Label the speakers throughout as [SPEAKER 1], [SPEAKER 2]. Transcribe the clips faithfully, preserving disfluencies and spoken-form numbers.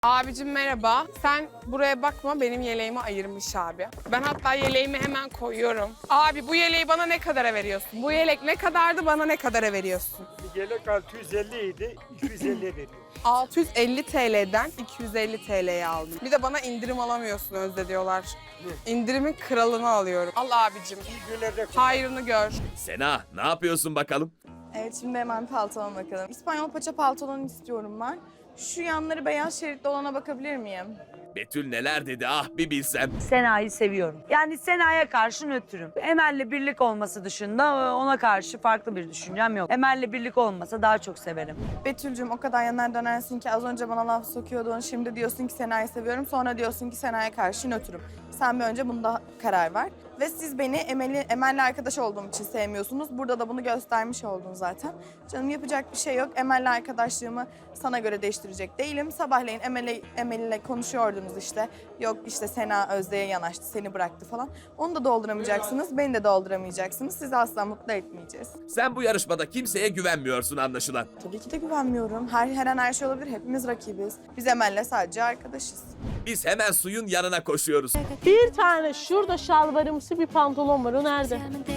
[SPEAKER 1] Abicim merhaba. Sen buraya bakma, benim yeleğimi ayırmış abi. Ben hatta yeleğimi hemen koyuyorum. Abi bu yeleği bana ne kadara veriyorsun? Bu yelek ne kadardı, bana ne kadara veriyorsun?
[SPEAKER 2] Bir yelek altı yüz elli idi, iki yüz elliye veriyor.
[SPEAKER 1] altı yüz elli T L'den iki yüz elli T L'ye aldım. Bir de bana indirim alamıyorsun Özde diyorlar. İndirimin kralını alıyorum. Al abicim.
[SPEAKER 2] İyi günlerde
[SPEAKER 1] Hayrını gör.
[SPEAKER 3] Sena, ne yapıyorsun bakalım?
[SPEAKER 4] Evet, şimdi hemen paltoma bakalım. İspanyol paça pantolon istiyorum ben. Şu yanları beyaz şeritli olana bakabilir miyim?
[SPEAKER 3] Betül neler dedi ah bir bilsem.
[SPEAKER 5] Sena'yı seviyorum. Yani Sena'ya karşı nötrüm. Emel'le birlik olması dışında ona karşı farklı bir düşüncem yok. Emel'le birlik olmasa daha çok severim.
[SPEAKER 4] Betül'cüm o kadar yanar dönersin ki az önce bana laf sokuyordun. Şimdi diyorsun ki Sena'yı seviyorum. Sonra diyorsun ki Sena'ya karşı nötrüm. Sen bir önce bunda karar ver. Ve siz beni Emel'i, Emel'le arkadaş olduğum için sevmiyorsunuz. Burada da bunu göstermiş oldun zaten. Canım yapacak bir şey yok. Emel'le arkadaşlığımı sana göre değiştirecek değilim. Sabahleyin Emel'le Emel'le konuşuyordunuz işte. Yok işte Sena Özde'ye yanaştı, seni bıraktı falan. Onu da dolduramayacaksınız, beni de dolduramayacaksınız. Sizi asla mutlu etmeyeceğiz.
[SPEAKER 3] Sen bu yarışmada kimseye güvenmiyorsun anlaşılan.
[SPEAKER 4] Tabii ki de güvenmiyorum. Her, her an her şey olabilir. Hepimiz rakibiz. Biz Emel'le sadece arkadaşız.
[SPEAKER 3] Biz hemen suyun yanına koşuyoruz.
[SPEAKER 6] Bir tane şurada şalvarımsı bir pantolon var. O nerede?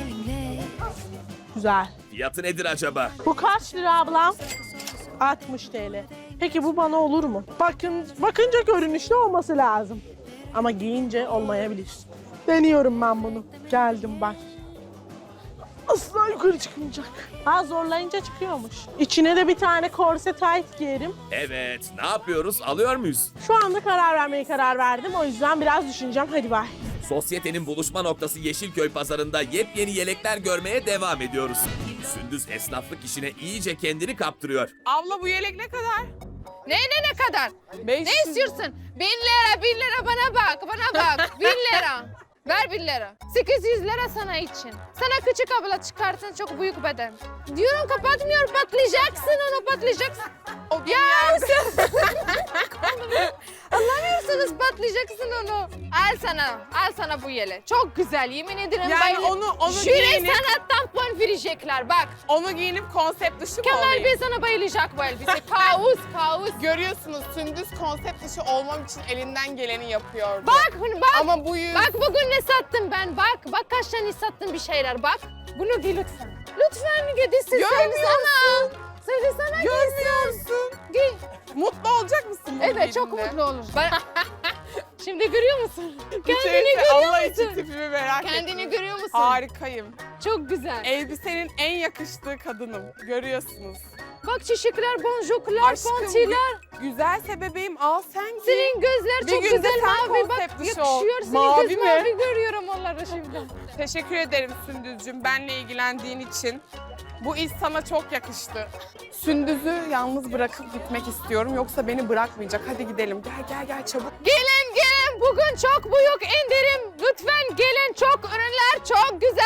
[SPEAKER 6] Güzel.
[SPEAKER 3] Fiyatı nedir acaba?
[SPEAKER 6] Bu kaç lira ablam? altmış T L. Peki bu bana olur mu? Bakın, bakınca görünüşlü olması lazım. Ama giyince olmayabilir. Deniyorum ben bunu. Geldim bak. Asla yukarı çıkmayacak. Ha zorlayınca çıkıyormuş. İçine de bir tane korse tight giyerim.
[SPEAKER 3] Evet, ne yapıyoruz? Alıyor muyuz?
[SPEAKER 6] Şu anda karar vermeye karar verdim. O yüzden biraz düşüneceğim. Hadi bay.
[SPEAKER 3] Sosyetenin buluşma noktası Yeşilköy pazarında yepyeni yelekler görmeye devam ediyoruz. Sündüz esnaflık işine iyice kendini kaptırıyor.
[SPEAKER 1] Abla bu yelek ne kadar?
[SPEAKER 7] Ne ne ne kadar?
[SPEAKER 1] beş yüz.
[SPEAKER 7] Ne istiyorsun? Bin lira, bin lira bana bak, bana bak. Bin lira. Ver bin lira. sekiz yüz lira sana için. Sana küçük abla çıkartın çok büyük beden. Diyorum kapatmıyor, patlayacaksın onu, patlayacaksın.
[SPEAKER 1] O
[SPEAKER 7] Ya sen... Anlamıyorsunuz, patlayacaksın onu. Al sana, al sana bu yele. Çok güzel, yemin ederim.
[SPEAKER 1] Yani
[SPEAKER 7] bayılır.
[SPEAKER 1] onu- onu
[SPEAKER 7] Şöyle
[SPEAKER 1] giyinip-
[SPEAKER 7] sana tampon verecekler, bak.
[SPEAKER 1] Onu giyinip konsept dışı mı
[SPEAKER 7] Kemal
[SPEAKER 1] olayım?
[SPEAKER 7] Bey sana bayılacak bu elbise. Kaos, kaos.
[SPEAKER 1] Görüyorsunuz Sündüz konsept dışı olmam için elinden geleni yapıyordu.
[SPEAKER 7] Bak, bak.
[SPEAKER 1] Ama bu yüz...
[SPEAKER 7] Bak bugün ne sattım ben, bak. Bak kaç tane sattım bir şeyler, bak. Bunu giy lütfen. Lütfen giy, this is
[SPEAKER 1] Görmüyorsun.
[SPEAKER 7] Söyle sana
[SPEAKER 1] Görmüyorsun.
[SPEAKER 7] giy.
[SPEAKER 1] Mutlu olacak mısın bunu
[SPEAKER 7] Evet, çok
[SPEAKER 1] giydiğinde?
[SPEAKER 7] mutlu olur. Ben... Şimdi görüyor musun? Kendini
[SPEAKER 1] İçerisi
[SPEAKER 7] görüyor
[SPEAKER 1] Allah
[SPEAKER 7] musun?
[SPEAKER 1] için tipimi merak ettim.
[SPEAKER 7] Kendini görüyor musun?
[SPEAKER 1] Harikayım.
[SPEAKER 7] Çok güzel.
[SPEAKER 1] Elbisenin en yakıştığı kadınım. Görüyorsunuz.
[SPEAKER 7] Bak çiçekler, boncuklar,
[SPEAKER 1] Aşkım,
[SPEAKER 7] pontiler.
[SPEAKER 1] Güzelse bebeğim al sen giy.
[SPEAKER 7] Senin gözler
[SPEAKER 1] Bir
[SPEAKER 7] çok
[SPEAKER 1] gün de
[SPEAKER 7] güzel
[SPEAKER 1] sen
[SPEAKER 7] mavi. Bak
[SPEAKER 1] konsept dışı ol.
[SPEAKER 7] yakışıyor. Senin
[SPEAKER 1] Mavi
[SPEAKER 7] göz
[SPEAKER 1] mi?
[SPEAKER 7] mavi görüyorum onları şimdi.
[SPEAKER 1] Teşekkür ederim Sündüzcüğüm benle ilgilendiğin için. Bu iş sana çok yakıştı. Sündüz'ü yalnız bırakıp gitmek istiyorum. Yoksa beni bırakmayacak. Hadi gidelim. Gel gel gel çabuk.
[SPEAKER 7] Gelin gelin bugün çok büyük indirim. Lütfen gelin çok ürünler çok güzel.